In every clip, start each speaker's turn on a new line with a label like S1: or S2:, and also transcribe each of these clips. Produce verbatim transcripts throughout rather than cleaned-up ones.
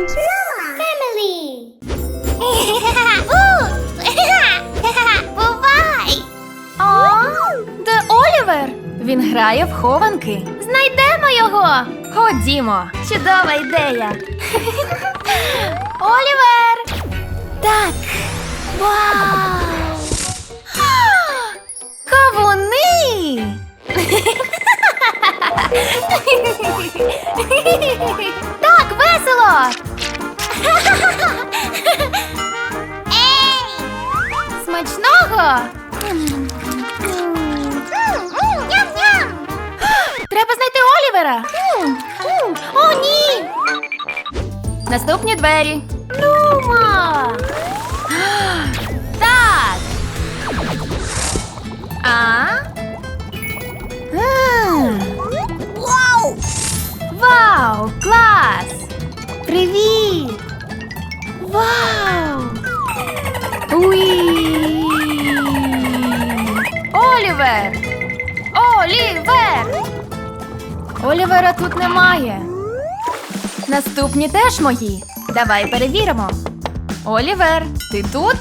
S1: and family. Бувай!
S2: О, де Олівер? Він грає в хованки. Знайдемо його. Ходімо. Чудова ідея. Олівер! Так. Вау! Кавуни! Так, весело!
S1: Ей!
S2: Смачного!
S1: Ням-ням!
S2: Треба знайти Олівера! О, ні! Наступні двері. Нумо! Так! А? М.
S1: Вау!
S2: Вау! Клас! Привіт! Вау! Уі! Олівер! Олівер! Олівера тут немає. Наступні теж мої. Давай перевіримо. Олівер, ти тут?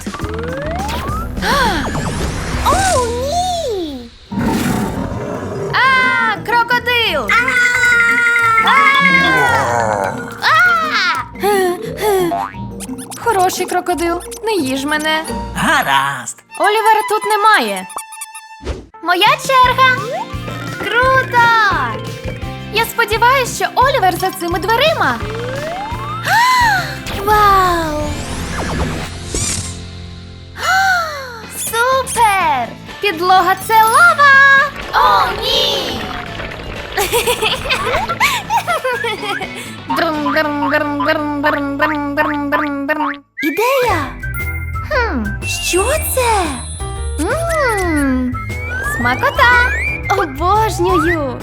S1: О, ні!
S2: А, крокодил! Хороший крокодил, не їж мене.
S3: Гаразд.
S2: Олівера тут немає. Моя черга. Круто! Я сподіваюся, що Олівер за цими дверима. Вау! Супер! Підлога – це лава! О, ні! Ідея! Хм, що це? Ммм, смакота! Обожнюю!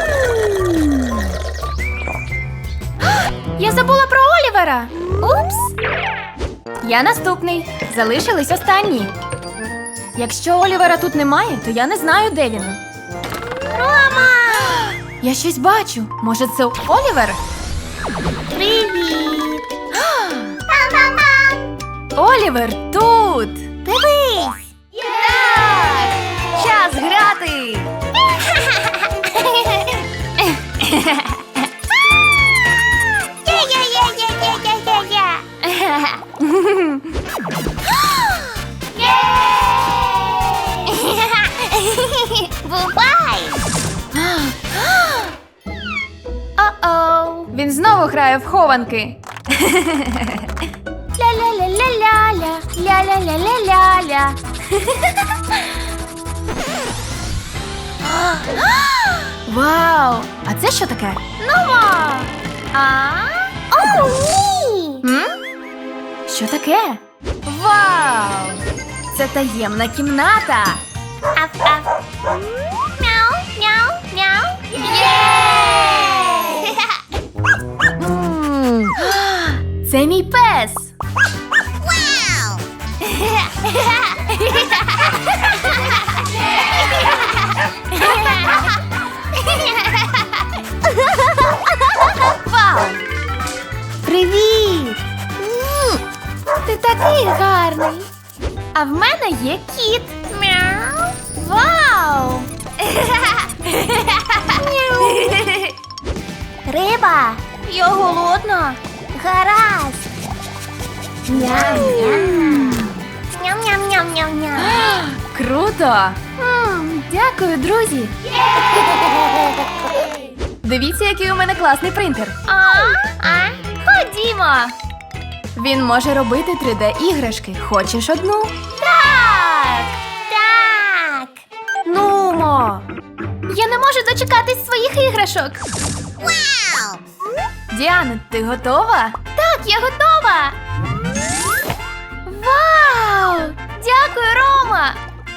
S2: Я забула про Олівера! Упс! Я наступний. Залишились останні. Якщо Олівера тут немає, то я не знаю, де він.
S1: Рома!
S2: Я щось бачу. Може, це Олівер?
S1: Привіт! Пам-пам-пам!
S2: Олівер тут!
S1: Дивись!
S2: Так! Час грати!
S1: Я-я-я-я-я-я-я! Бувай!
S2: О-оу! Він знову грає в хованки. Ля-ля-ля-ля-ля-ля, ля-ля-ля-ля-ля-ля. Вау! А це що таке? Нумо! А?
S1: О, ні!
S2: М? Що таке? Вау! Це таємна кімната.
S1: Аф-аф. Мяу, мяу, мяу.
S2: Єй! М. Це мій пес.
S1: Вау!
S2: Вау! Привіт! Ти такий гарний. А в мене є кіт.
S1: Мяу.
S2: Вау!
S1: Риба.
S2: Я голодна.
S1: Гаразд. Ням-ням. Ням-ням-ням-ням-ням.
S2: Круто! М, Дякую, друзі. Дивіться, який у мене класний принтер.
S1: А? А?
S2: Ходімо! Він може робити три де-іграшки. Хочеш одну?
S1: Так. Так.
S2: Нумо! Я не можу дочекатись своїх іграшок.
S1: Вау!
S2: Діана, ти готова? Так, я готова! Вау! Дякую, Рома!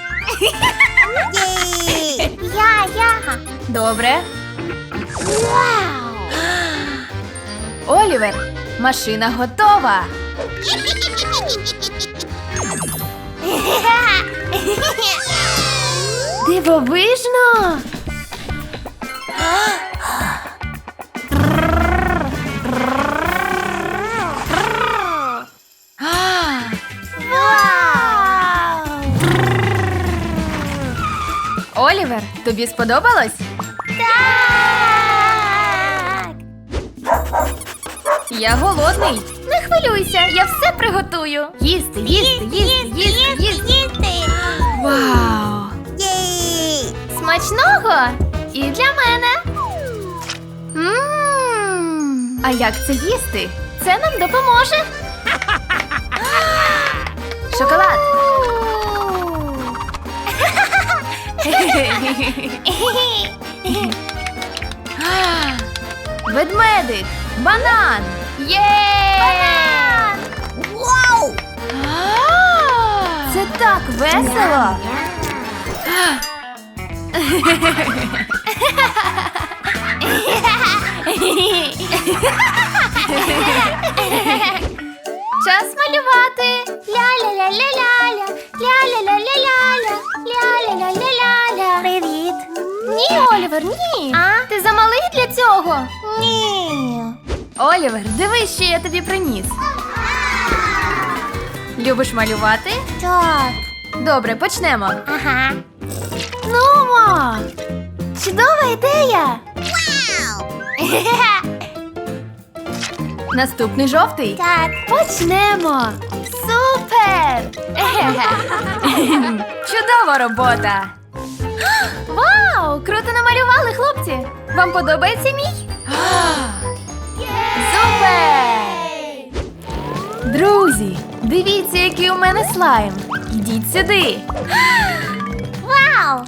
S1: Єй! Я, я.
S2: Добре.
S1: Вау!
S2: Олівер, машина готова. Дивовижно! Тобі сподобалось?
S1: Так.
S2: Я голодний. Не хвилюйся, я все приготую. Їсти, їсти, їсти, їсти, їсти.
S1: їсти.
S2: Вау!
S1: Єй.
S2: Смачного! І для мене. Мм. А як це їсти? Це нам допоможе. Шоколад. Ведмедик. Банан. Є!
S1: Вау!
S2: Це так весело. Час малювати.
S1: Ля-ля-ля-ля-ля-ля, ля-ля-ля-ля-ля-ля, ля-ля-ля-ля-ля-ля. Привіт.
S2: Ні, Олівер, ні.
S1: А?
S2: Ти замалий для цього.
S1: Ні.
S2: Олівер, дивись, що я тобі приніс. Любиш малювати?
S1: Так.
S2: Добре, почнемо.
S1: Ага.
S2: Нумо! Чудова ідея!
S1: Вау!
S2: Наступний жовтий.
S1: Так.
S2: Почнемо! Супер! Чудова робота! Вау! Круто намалювали, хлопці! Вам подобається мій? Супер! Друзі, дивіться, який у мене слайм. Ідіть сюди.
S1: Вау!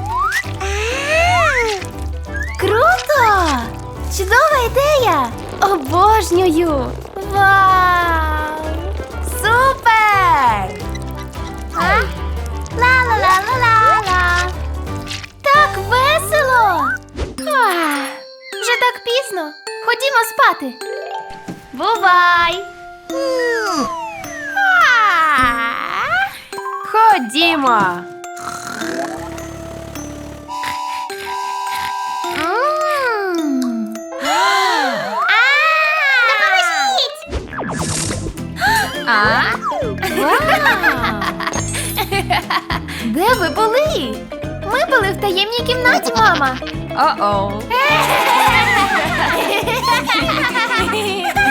S2: Круто! Чудова ідея! Обожнюю! Вау! Супер!
S1: А? Ла-ла-ла-ла-ла-ла.
S2: Так весело! Ах, вже так пізно. Ходімо спати. Бувай!
S1: М.
S2: Ходімо!
S1: М. Допоможіть!
S2: А? Вау! Де ви були? Ми були в таємній кімнаті, мама. О-оу.